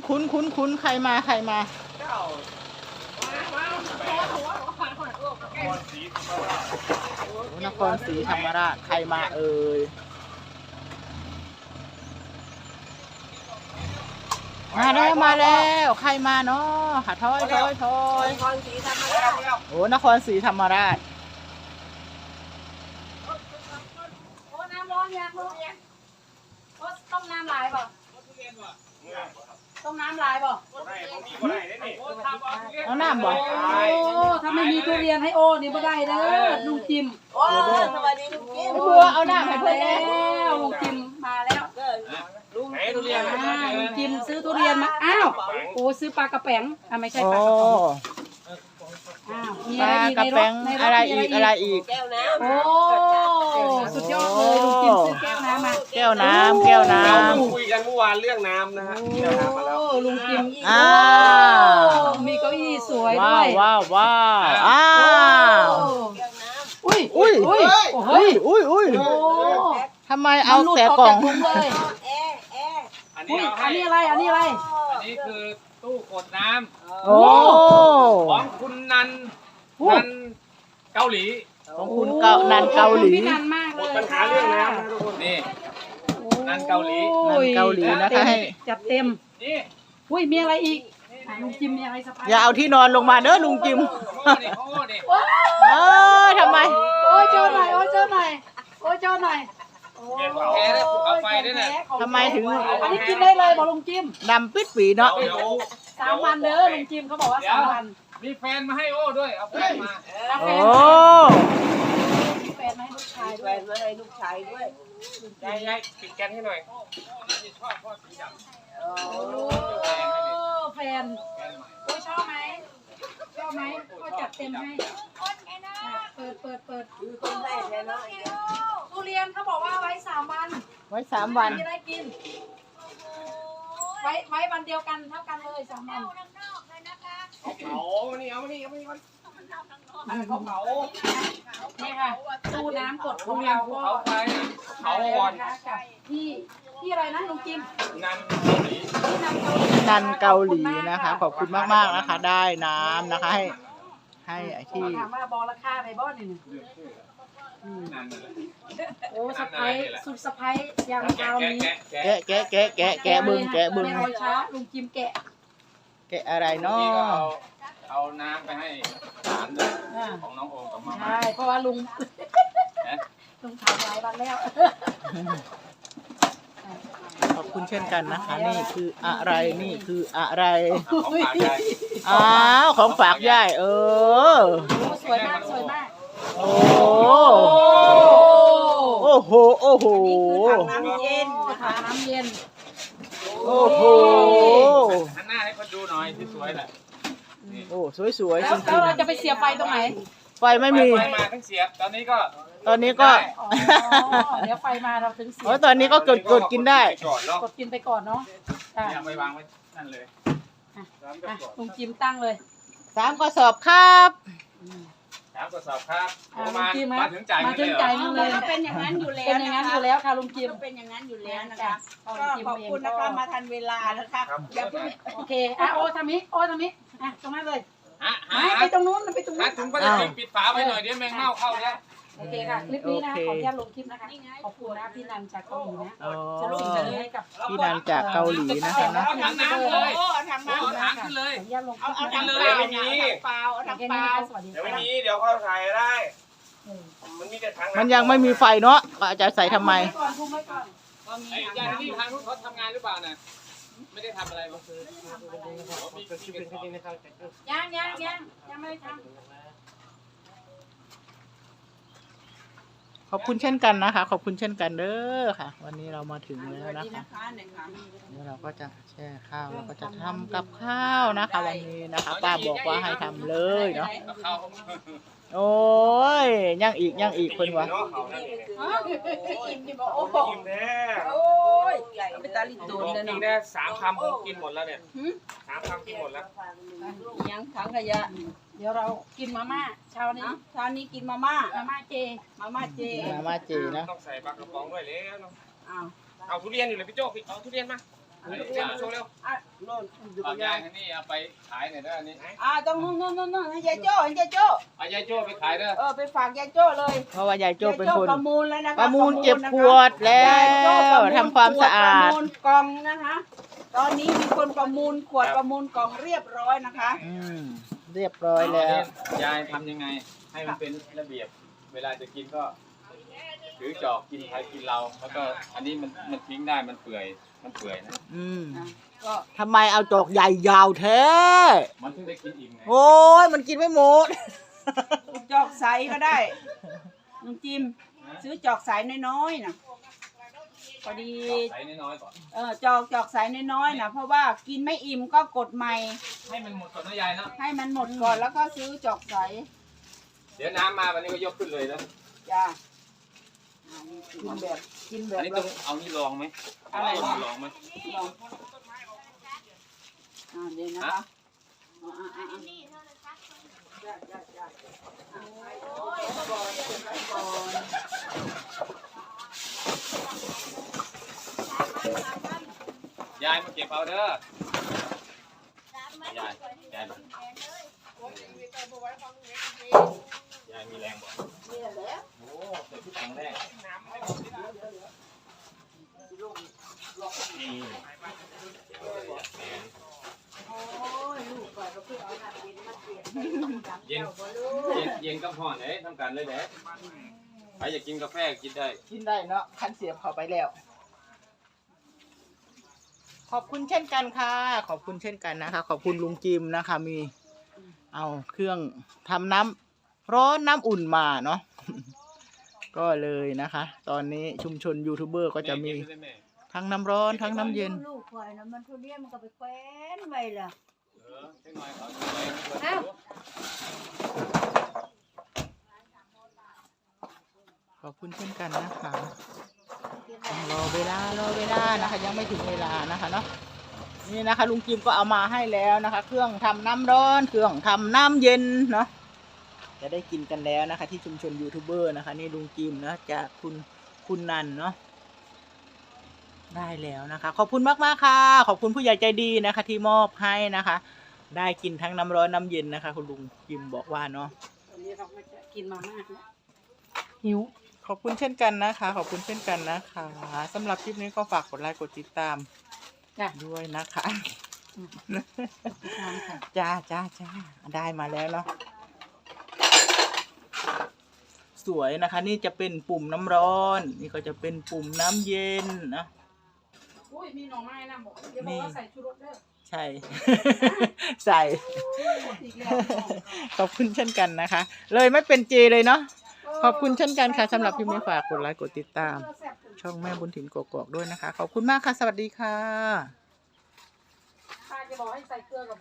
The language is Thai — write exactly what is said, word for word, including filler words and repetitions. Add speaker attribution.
Speaker 1: คุ้นคุ้นคุ้นใครมาใครมาโอ้นครศรีธรรมราชใครมาเอ่ยมาแล้วมาแล้วใครมาเนาะค่ะถอยถอยถอยนครศรีธรรมราชโอ้นครศรีธรรมราช
Speaker 2: โอ้น้ำร้อนยังร้อนยังโอ้ต้มน้ำลายเปล่าต้มน้ำลายเปล่า
Speaker 1: เอาน้ำบ่
Speaker 2: โอ้ถ้าไม่มีทุเรียนให้โอ้นี่ไม่ได้เด้อลุงจิม
Speaker 3: โอ้สวัสดีลุงจิม
Speaker 1: เบื่อเอาน้ำให้เพื่อน
Speaker 2: แล้วลุงจิมมาแล้วลุงทุเรียนลุงจิมซื้อทุเรียนมาอ้าวโอ้ซื้อปลากระแป๋งอ่ะไม่ใช่ปลากระป๋องอ้าวมีอะไรอีกในรถในรถ
Speaker 1: อะไรอีกอะไรอีก
Speaker 3: แก้วน้ำ
Speaker 2: โอ้สุดยอดเลยลุงจิมซื้อแก้วน้ำมา
Speaker 1: แก้วน้ำแก้วน้ำ
Speaker 4: เราคุยกันเมื่อวานเรื่องน้ำนะฮะแก้วน้ำมาแล้ว
Speaker 2: ลุงจิม
Speaker 1: อ้าว
Speaker 2: มีเก้าอี้สวยด้วย
Speaker 1: ว้าวว้าวอ้าว
Speaker 3: แก้วน้ำ
Speaker 2: อุ้ย
Speaker 1: อุ้ยอุ้ยอุ้ยอุ้ยอุ้ยทำไมเอาแต่กล่อง
Speaker 2: เลย
Speaker 3: แอร์แอร์
Speaker 4: อัน
Speaker 2: อุ้
Speaker 4: นี้
Speaker 2: ยอันนี้อะไรอันนี้อะไร
Speaker 4: อันนี้คือตู้กดน้ำ
Speaker 1: โอ้
Speaker 4: ของคุณนันนันเกาหลี
Speaker 1: ของคุณเกานันเกาหลี
Speaker 2: นันมากเลย
Speaker 4: ปัญหาเรื่องน้ำนะทุกคนนี่นันเกาหลี
Speaker 1: นันเกาหลีนะคะให้
Speaker 2: จัดเต็ม
Speaker 4: นี่
Speaker 2: อุ้ยมีอะไรอีกลุงจิมมีอะไรสบาย
Speaker 1: อย่าเอาที่นอนลงมาเด้อลุงจิมเออทำไม
Speaker 2: โอ้ยเจ้าหน่อยโอ้ยเจ้าหน่อยโอ้ยเจ้าหน่อย
Speaker 4: เก็บแพ้ได้ภูเขาไฟด้วยนะ
Speaker 1: ทำไมถึง
Speaker 2: อันนี้กินได้เลยบอกลุงจิม
Speaker 1: ดำปิดปีเนาะ
Speaker 2: สามวันเด้อลุงจิมเขาบอกว่าสามวัน
Speaker 4: มีแฟนมาให้โอ้ด้วยเอาแฟนมา
Speaker 1: โอ้
Speaker 2: มีแฟนมาให้ลูกชาย
Speaker 3: แฟนมาให้ลูกชายด้วย
Speaker 4: ยายยายปิดแก๊สให้หน่อยชอบพ่อสีดำ
Speaker 2: โอ้แฟนโอ้ชอบไหมชอบไหมก็จัดเต็มให้เปิดเปิดเปิด
Speaker 3: ต้นได้แล้วเนาะ
Speaker 2: ทุเรียนเขาบอกว่าไว้สามวัน
Speaker 1: ไว้สามวัน
Speaker 2: มีได้กินไว้ไว้วันเดียวกันเท่ากันเลยสามวัน
Speaker 4: เอาเผามานี่เอามานี่เอามานี่มันเขาเผา
Speaker 2: นี่ค่ะตู้น้ำกดของเราก็
Speaker 4: เผาไฟเผาก่อน
Speaker 2: กับที่ที่อะไรนะลุงจิม
Speaker 4: นันเกาหลี
Speaker 1: นันเกาหลีนะคะขอบคุณมากมากนะคะ ได้น้ำนะคะให้ให้ไอ้ที่
Speaker 2: ถามว่าบอราคาในบ้านนี่โอ้สะพ้ายสุดสะพ้ายอย่างคราวนี้
Speaker 1: แกะแกะแกะแกะแกะบึงแกะบึง
Speaker 2: ไม่ช้าลุงจิมแกะ
Speaker 1: แกะอะไรเนาะ
Speaker 4: เอาน้ำไปให้หลานด้วยของน้องโอมกับมาม่า
Speaker 2: ใช่เพราะว่าลุงลุงถามหลายวันแล้ว
Speaker 1: ขอบคุณเช่นกันนะคะนี่คืออะไรนี่คืออะไร
Speaker 4: ของฝากยาย
Speaker 1: อ้าวของฝากยายเออ
Speaker 2: สวยมากสวยมาก
Speaker 1: โอ้โอ้โหโอ้โห
Speaker 3: น้ำเย็น
Speaker 2: ถังน้ำเย็น
Speaker 1: โอ้โห
Speaker 4: หันหน้าให้คนดูหน่อยสวยๆแหละ
Speaker 1: โอ้สวยๆจริงๆ
Speaker 2: แล้วเราจะไปเสียบไฟตรงไหน
Speaker 1: ไฟไม่มี
Speaker 4: ไฟมาทั้งเสียบตอนนี้ก็
Speaker 1: ตอนนี้ก็
Speaker 2: เดี๋ยวไฟมาเราถึงเสียบ
Speaker 1: โอ้ตอนนี้ก็กดกดกินได้
Speaker 2: กดกินไปก่อนเนาะ
Speaker 4: อย่าไปวางไว้นั่นเลย
Speaker 2: ลุงจิมตั้งเลย
Speaker 1: สามกระสอบครับ
Speaker 4: สามกระสอบครับ
Speaker 2: มา
Speaker 4: มาถึงจ่าย
Speaker 2: มาถึงจ่ายเงินเลย
Speaker 3: ก็เป็นอย่างนั้นอยู่แล้ว
Speaker 2: เป็นอย่างนั้นอยู่แล้วค่ะลุงจิม
Speaker 3: เป็นอย่างนั้นอยู่แล้วนะคะก็ขอบคุณ
Speaker 2: นะ
Speaker 3: คะมาทันเวลานะคะอย่าเพิ่ง
Speaker 2: โอเคอ่ะโอ้ทำนี้โอ้ทำนี้อ่ะตรงนั้นเลย
Speaker 4: ไม่
Speaker 2: ไปตรงนู้นไปตรงนู้น
Speaker 4: ถุงพลาสติกปิดฝาไว้หน่อยเดี๋ยวแมงเม่าเข้าแล้ว
Speaker 2: โอเคค่ะคลิปนี้นะขออนุญาตลงคลิปนะคะขอบคุณนะพี่นันจากเกาหลีนะสรุปให้กับ
Speaker 1: พี่นันจากเกาหลีนะคะนะ
Speaker 4: เอาถังน้ำเลย
Speaker 3: ทำน้ำ
Speaker 4: เอาถังขึ้นเลย
Speaker 3: เอาเอาถังเลยเอาถังเปล่าเอาถังเปล่า
Speaker 4: เดี๋ยวไม่มีเดี๋ยวเขาใส่ได้มันมีแต่ถัง
Speaker 1: มันยังไม่มีไฟเนาะก็จะใส่ทำไม
Speaker 4: ไอ้ยาที่ทางนู้นเขาทำงานหรือเปล่าน่ะไม่ได้ทำอะไรก็คือ
Speaker 2: ยังยังยังยังไม่ได้ทำ
Speaker 1: ขอบคุณเช่นกันนะคะขอบคุณเช่นกันเด้อค่ะวันนี้เรามาถึงแล้วนะคะเดี๋ยวเราก็จะแช่ข้าวเราก็จะทำกับข้าวนะคะวันนี้นะคะป้าบอกว่าให้ทำเลยเนาะโอ้ยยังอีกยังอีกคนวะ
Speaker 3: อิ่มดิบอกโอ้โหอิ่มแน่โอ้ยใหญ่เป็นตาลิตูนเลย
Speaker 4: เนาะกินได้สามคำผมกินหมดแล้วเนี่ยสามคำกินหมดแล้ว
Speaker 3: ยังถังขยะ
Speaker 2: เดี๋ยวเรากินมาม่าเช้านี้
Speaker 3: เช้านี้กินมาม่า
Speaker 2: มาม่าเจ
Speaker 3: มาม่าเจ
Speaker 1: มาม่าเจนะ
Speaker 4: ต้องใส่ปลากระป๋องด้วยแล้วเนาะ
Speaker 3: อ้าว
Speaker 4: เอาทุเรียนอยู่เลยพี่โจ้เอาทุเรียนมา
Speaker 3: อ
Speaker 4: เร็วโชว์เร็ว
Speaker 3: อ่ะโน่นอยู่
Speaker 4: เอา
Speaker 3: กับ
Speaker 4: ยาย
Speaker 3: าย
Speaker 4: ทางนี้เอาไปขายหน่อยเด้ออันนี้
Speaker 3: อ่าตรงนู้นนู้นนู้นนู้นให้ยายโจ้ให้ยายโจ้
Speaker 4: เอายายโจ้ไปขายเด้อ
Speaker 3: เออไปฝากยายโจ้เลย
Speaker 1: เพราะว่ายายโจ้เป็น
Speaker 3: ยาย
Speaker 1: คน
Speaker 3: ประมูลแล้วนะคะ
Speaker 1: ประมูลเก็บ
Speaker 3: นะคะ
Speaker 1: ขวดแล้
Speaker 3: ยายโจ้
Speaker 1: ว
Speaker 3: ประมูล
Speaker 1: ทำความสะอาด
Speaker 3: ประมูลกล่องนะคะ ตอนนี้มีคนประมูลขวดประมูลกล่องเรียบร้อยนะคะ
Speaker 1: อืมเรียบร้อยแล้ว
Speaker 4: ยายทำยังไง ให้มันเป็นระเบียบ เวลาจะกินก็ถือจอกกินใครกินเราแล้วก็อันนี้มันมันทิ้งได้มันเปื่อยมันเปื่อยนะ
Speaker 1: อืม
Speaker 3: อ่ะก็
Speaker 1: ทำไมเอาจอกใหญ่ยาวแท้
Speaker 4: มันถึงได้กินอิ่มไง
Speaker 1: โอ้ยมันกินไม่หมด
Speaker 3: จอกใสก็ได้ลุงจิมซื้อจอกใสน้อยๆนะพอดี
Speaker 4: ใส่น้อยๆก่อน
Speaker 3: เออจอกจอกใสน้อยๆนะเพราะว่ากินไม่อิ่มก็กดใหม่
Speaker 4: ให้มันหมดก่อนนะยายเนาะ
Speaker 3: ให้มันหมดก่อนแล้วก็ซื้อจอกใส
Speaker 4: เดี๋ยวน้ำมาวันนี้ก็ยกขึ้นเลยนะ
Speaker 3: จ้าอ่านี่กินแบบกินแบ
Speaker 4: อั
Speaker 3: บ
Speaker 4: นนี้ต้องเอานี่ลองไหม
Speaker 3: อะไร
Speaker 4: เอา
Speaker 3: นะ
Speaker 4: ลองไหม
Speaker 3: ลองอ่าเดี๋ยวนะคะอ่าอ่าอ่าจ้าจ้าจ้าอ่าไปก่อนไปก่อน
Speaker 4: ยายมาเก็บเอาเด้อยายยายมายายมีแรงบ่
Speaker 3: นี่แหละ
Speaker 4: โอ้เดี๋ยวที่แข็งแรงนี่
Speaker 3: โอ้ยลูกก่อนก็เพิ่งเอาหน้าเย็นมาเปลี่ยน
Speaker 4: เย็นเย็นเย็นกับห่อนเด้ทำกันเลยเด้ใครอยากกินกาแฟกินได้
Speaker 1: กินได้เนาะคันเสียบเข้าไปแล้ว ขอบคุณเช่นกันค่ะ ขอบคุณเช่นกันนะคะ ขอบคุณลุงจิมนะคะ มีเอาเครื่องทำน้ำร้อนน้ำอุ่นมาเนาะ ก็เลยนะคะ ตอนนี้ชุมชนยูทูบเบอร์ก็จะมีทั้งน้ำร้อนทั้งน้ำเย็น
Speaker 3: ลูกควายนะมันทุเรียนมันก็ไปแควนไว้ล่ะ
Speaker 4: เออเล็กน้อยเขาสวย
Speaker 3: อ้าว
Speaker 1: ขอบคุณเช่นกันนะคะต้องรอเวลารอเวลานะคะ ยังไม่ถึงเวลานะคะเนาะนี่นะคะ ลุงจิมก็เอามาให้แล้วนะคะ เครื่องทำน้ำร้อนเครื่องทำน้ำเย็นเนาะจะได้กินกันแล้วนะคะ ที่ชุมชนยูทูบเบอร์นะคะนี่ลุงจิมนะจากคุณคุณนันเนาะได้แล้วนะคะ ขอบคุณมากมากๆค่ะ ขอบคุณผู้ใหญ่ใจดีนะคะ ที่มอบให้นะคะ ได้กินทั้งน้ำร้อนน้ำเย็นนะคะ คุณลุงจิมบอกว่าเนาะ
Speaker 3: ตอนนี้เราไม่จะกินมามากแล้ว
Speaker 1: หิวขอบคุณเช่นกันนะคะ ขอบคุณเช่นกันนะคะสำหรับคลิปนี้ก็ฝากกดไลค์กดติดตาม
Speaker 3: จ้ะ
Speaker 1: ด้วยนะคะ
Speaker 3: ทานค่ะ
Speaker 1: จ้าจ้าจ้าได้มาแล้วเนาะสวยนะคะ นี่จะเป็นปุ่มน้ำร้อน นี่ก็จะเป็นปุ่มน้ำเย็นนะ
Speaker 2: อุ้ยมีหน่อไม้นะบอกอย่าบอกว่าใส่ชูรสเด้อ
Speaker 1: ใช่ ใส่
Speaker 2: อีกแล้ว
Speaker 1: ขอบคุณเช่นกันนะคะ เลยไม่เป็นเจเลยเนาะขอบคุณเช่นกันค่ะสำหรับคลิปนี้ฝากกดไลค์กดติดตาม ช่องแม่บุญถิ่นกอกๆด้วยนะคะ ขอบคุณมากค่ะ สวัสดีค่ะ
Speaker 2: ป้าจะบอกให้ใส่เกลือกับ